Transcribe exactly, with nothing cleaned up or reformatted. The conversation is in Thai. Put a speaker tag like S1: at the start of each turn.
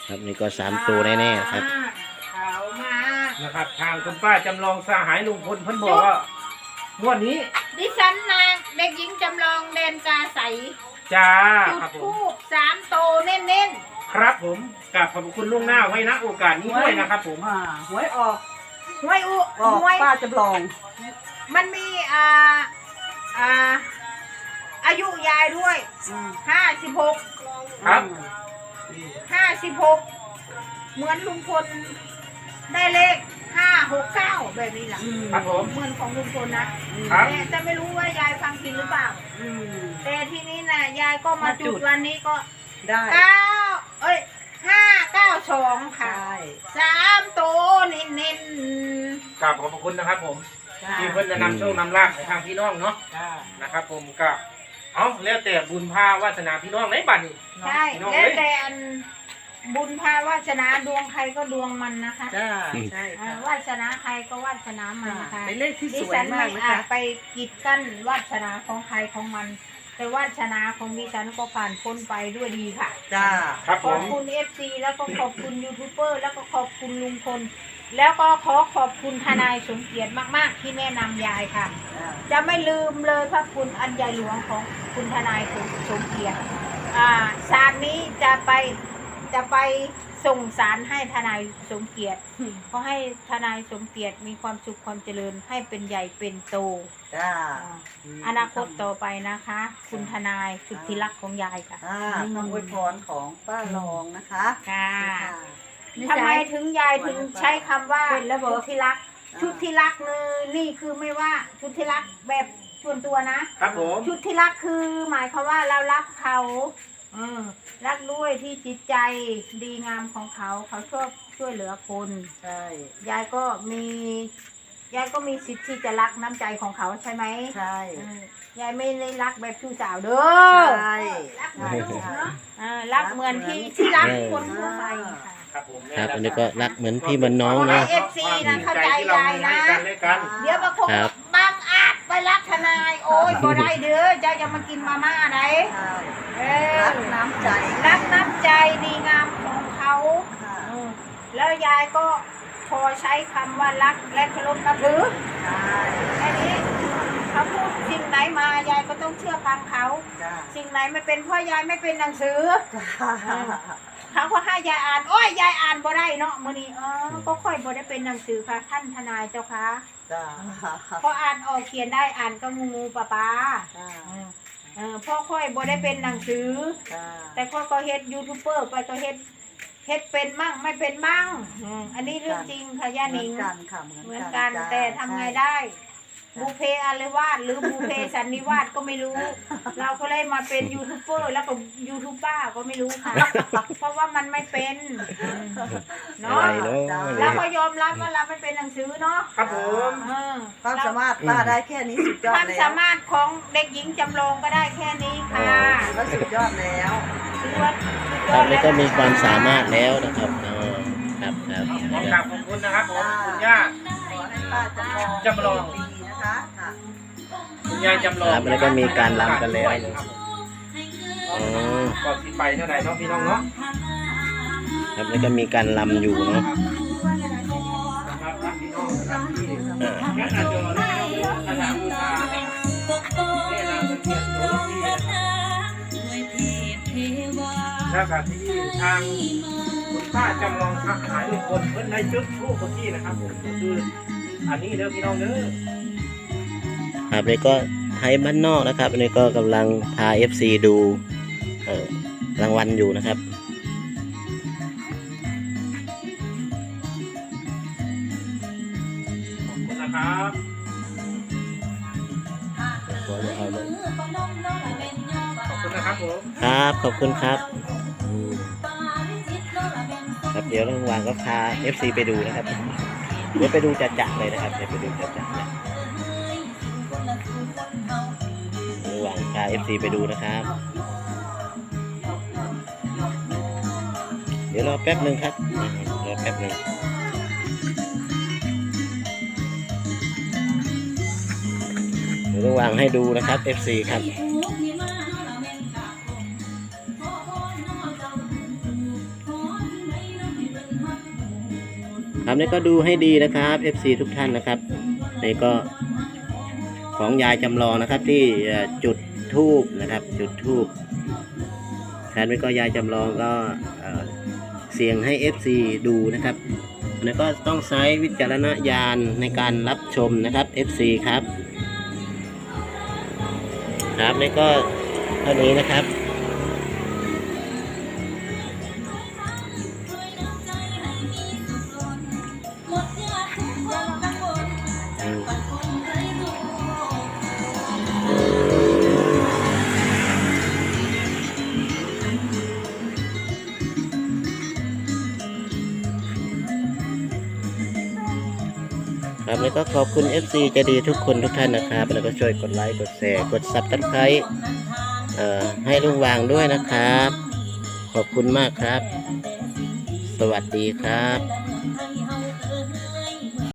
S1: ครับนี่ก็สามตัวแน่ๆครับ
S2: เขามา
S3: นะครับทางคุณป้าจำลองสหายลุงพลเพิ่นบอกว่างวดนี้
S2: ดิฉันนางเด็กหญิงจำลองเดนกาใส
S3: จ้า
S2: จุด
S3: ครับผม
S2: ทูบสามโตเน้น
S3: ครับผมกราบขอบคุณล่วงหน้าไว้ณโอกาสนี้ด้วยนะครับผม
S4: อ่าหวยออก
S2: ๆหวยอุ
S4: ออก
S2: หวย
S4: ป้าจำลอง
S2: มันมีอ่าอ่าอายุยายด้วย
S4: อืม
S2: ห้าสิบหก
S3: ครับ
S2: ห้าสิบหกเหมือนลุงพลได้เลขห้าหกเก้าแบบนี้แหละ
S4: อืม
S3: ครับผม
S2: เหมือนของลุงพลนะครับ แต่แต่ไม่รู้ว่ายายฟังผิดหรือเปล่า
S4: อืม
S2: แต่ทีนี้นะยายก็มา
S4: มาจุ
S2: จุ
S4: ด
S2: ดวันนี้ก็
S4: ได้
S2: เก้าเอ้ยห้าเก้าสองค่ะ
S4: ใช่
S2: สามโตเน้นเน้น
S3: กราบขอบคุณนะครับผม
S4: จ้า
S3: ที่เพิ่นจะนำโชคนำลาภให้ทางพี่น้องเนาะ
S4: จ้า
S3: นะครับผมก็เอาแล้วแต่บุญพาวาสนาพี่น้องในบัดนี้
S2: ใช่
S3: พี่น้อง
S2: แล้ว
S3: เอ้ย
S2: แต่อันบุญพาวาสนาดวงใครก็ดวงมันนะคะ
S4: จ้าใช่
S2: อ่า
S4: ค่ะ
S2: วาสนาใครก็วาสนามันนะคะ
S4: เป็นเลขที่
S2: ดิ
S4: สวย
S2: ฉัน
S4: มา
S2: ไม่
S4: กนะ
S2: อา
S4: คะ
S2: จไปกีดกั้นวาสนาของใครของมัน แต่วาสนาของดิฉันก็ผ่านพ้นไปด้วยดีค่ะ
S4: จ้า
S3: ครับ
S2: ข
S3: ผ
S2: อบ
S3: ม
S2: คุณเอฟซีแล้วก็ขอบคุณยูทูบเบอร์แล้วก็ขอบคุณลุงพลแล้วก็ขอขอบคุณทนายสมเกียรติมากๆที่แนะนำยายค่ะ
S4: จ้า
S2: จะไม่ลืมเลยพระคุณอันใหญ่หลวงของคุณทนายสมเกียรติอ่าศาลนี้จะไปจะไปส่งสารให้ทนายสมเกียรติขอให้ทนายสมเกียรติมีความสุขความเจริญให้เป็นใหญ่เป็นโต
S4: จ้า
S2: อ่าอนาคตต่อไปนะคะ คุณทนายสุดที่รักของยายค่ะ
S4: อ่าคำอวยพรของป้ารองนะคะ
S2: ค่ะ
S4: นี่
S2: ทำ
S4: ค่ะ
S2: ไมถึงยายถึงใช้คำว่าชุดที่รัก ชุดที่รักเลยนี่คือไม่ว่าชุดที่รักแบบส่วนตัวนะ
S3: ครับผม
S2: ชุดที่รักคือหมายความว่าเรารักเขาเออรักด้วยที่จิตใจดีงามของเขา เขาชอบช่วยเหลือคน
S4: ใช่
S2: ยายก็มียายก็มีสิทธิ์ที่จะรักน้ำใจของเขาใช่ไหม
S4: ใช่
S2: เออยายไม่ได้รักแบบชู้สาวเด้อ
S4: ใช่
S2: รักเหมือนลูกเนาะเออรักเหมือนที่ที่รักคนทั่วไปค่ะ
S3: ครับผม
S1: ครับอันนี้ก็รักเหมือนพี่เหมือนน้อง
S2: ขอ
S1: เนาะ
S2: ให้ เอฟ ซี นะเข้าใจ
S3: ที่เรามี
S2: ยายนะ
S3: ให้กันและกัน
S2: เดี๋ยวบางคน
S1: ครับ
S2: บางอาจไปรักทนาย โอ้ยบ่ได้เด้อเจ้าจะมากินมาม่าไหน
S4: ใช่
S2: เออ
S4: รักน้ำใจ
S2: รักน้ำใจดีงามของเขา
S4: ค่ะ
S2: เออแล้วยายก็พอใช้คำว่ารักและเคารพนับถือ
S4: ใช่
S2: แค่นี้เขาพูดสิ่งไหนมายายก็ต้องเชื่อฟังเขา
S4: จ้า
S2: สิ่งไหนไม่เป็นเพราะยายไม่เป็นหนังสือ
S4: จ้า
S2: เขาก็ให้ยายอ่านโอ้ยยายอ่านบ่ได้เนาะมื้อนี้อ๋อก็ค่อยบ่ได้เป็นหนังสือค่ะท่านทนายเจ้าค่ะ
S4: จ้า
S2: พออ่านออกเขียนได้อ่านก็งูงูปลาปลา
S4: จ้า
S2: เออพ่อค่อยบ่ได้เป็นหนังสือ
S4: จ้า
S2: แต่พ่อก็เฮ็ดยูทูบเบอร์ไปก็เฮ็ดเฮ็ดเป็นมั่งไม่เป็นมั่งอืมอันนี้เรื่องจริงค่ะย่า
S4: เหมื
S2: นิ
S4: อน
S2: ง
S4: กันค่ะ
S2: เหมือนกัน
S4: จ้า
S2: แต่ทำไงได้บูเพอารวาสหรือบูเพสันนิวาสก็ไม่รู้ เราก็เลยมาเป็นยูทูบเบอร์แล้วก็ยูทูบบ้าก็ไม่รู้ค่ะ เพราะว่ามันไม่เป็นอืม
S1: อะ
S2: เนาะ
S1: ไรเนาะ
S2: เราก็ยอมรับว่าเราไม่เป็นหนังสือเนาะ
S3: ครับผม
S2: เออ
S4: ความสามารถป้าได้แค่นี้สุดยอ
S2: ค
S4: ด
S2: วาม
S4: แล้ว
S2: สามารถของเด็กหญิงจำลองก็ได้แค่นี้ค่ะ
S4: ก็สุดยอดแล้ว
S2: ถือว่าสุด
S1: ค
S2: ย
S1: รั
S2: อบ ด
S1: แล้วก็มีความสามารถแล้วนะครับเออครับครับ
S3: ขอกราบขอบคุณนะครับผมคุณย่า
S4: ขอให้ป้าจำลอง
S3: จำลอง
S4: ดีนะคะค่ะ
S3: คุณยายจำลอง
S1: ครับแล้วก็มีการรำกันแล้ว
S3: ครับผม
S1: อ๋อ
S3: ก่อนสิไปเท่าไหร่เนาะพี่น้องเนาะ
S1: ครับแล้วก็มีการรำอยู่เนาะ
S3: นะครับรับพี่น้องนะครับที่
S1: อ่า
S3: แม่อาจจะได้ภาษาบูชาได้นำเกียรติโสรีนะครับแล้วก็ที่ทางคุณป้าจำลองทหารทุกคนเพิ่นได้จุดทูปที่นะครับผมก็คืออันนี้เด้อพี่น้องเด้อ
S1: ครับนี่ก็ไทยบ้านนอกนะครับอันนี้ก็กำลังพา เอฟ ซี ดูเอ่อรางวัลอยู่นะครับ
S3: ขอบคุณนะครับ
S1: ขอจะเอาเลย
S3: ขอบคุณนะครับผม
S1: ครับขอบคุณครับอืมครับเดี๋ยวระหว่างก็พา เอฟ ซี ไปดูนะครับเดี๋ยวไปดูจัดๆเลยนะครับเดี๋ยวไปดูจัดๆเลยระหว่างพา เอฟ ซี ไปดูนะครับเดี๋ยวรอแป๊บหนึ่งครับอ่ารอแป๊บหนึ่งเดี๋ยวระหว่างให้ดูนะครับ เอฟ ซี ครับครับนี่ก็ดูให้ดีนะครับ เอฟ ซี ทุกท่านนะครับนี่ก็ของยายจำลองนะครับที่เอ่อจุดธูปนะครับ จุดธูปครับนี่ก็ยายจำลองก็เอ่อเสียงให้ เอฟ ซี ดูนะครับแล้วก็ต้องใช้วิจารณญาณในการรับชมนะครับ เอฟ ซี ครับครับนี่ก็เท่านี้นะครับอืมครับแล้วก็ขอบคุณ เอฟ ซี ใจดีทุกคนทุกท่านนะครับแล้วก็ช่วยกดไลค์กดแชร์กดซับสไครต์เอ่อให้ลุงวางด้วยนะครับ ขอบคุณมากครับ สวัสดีครับ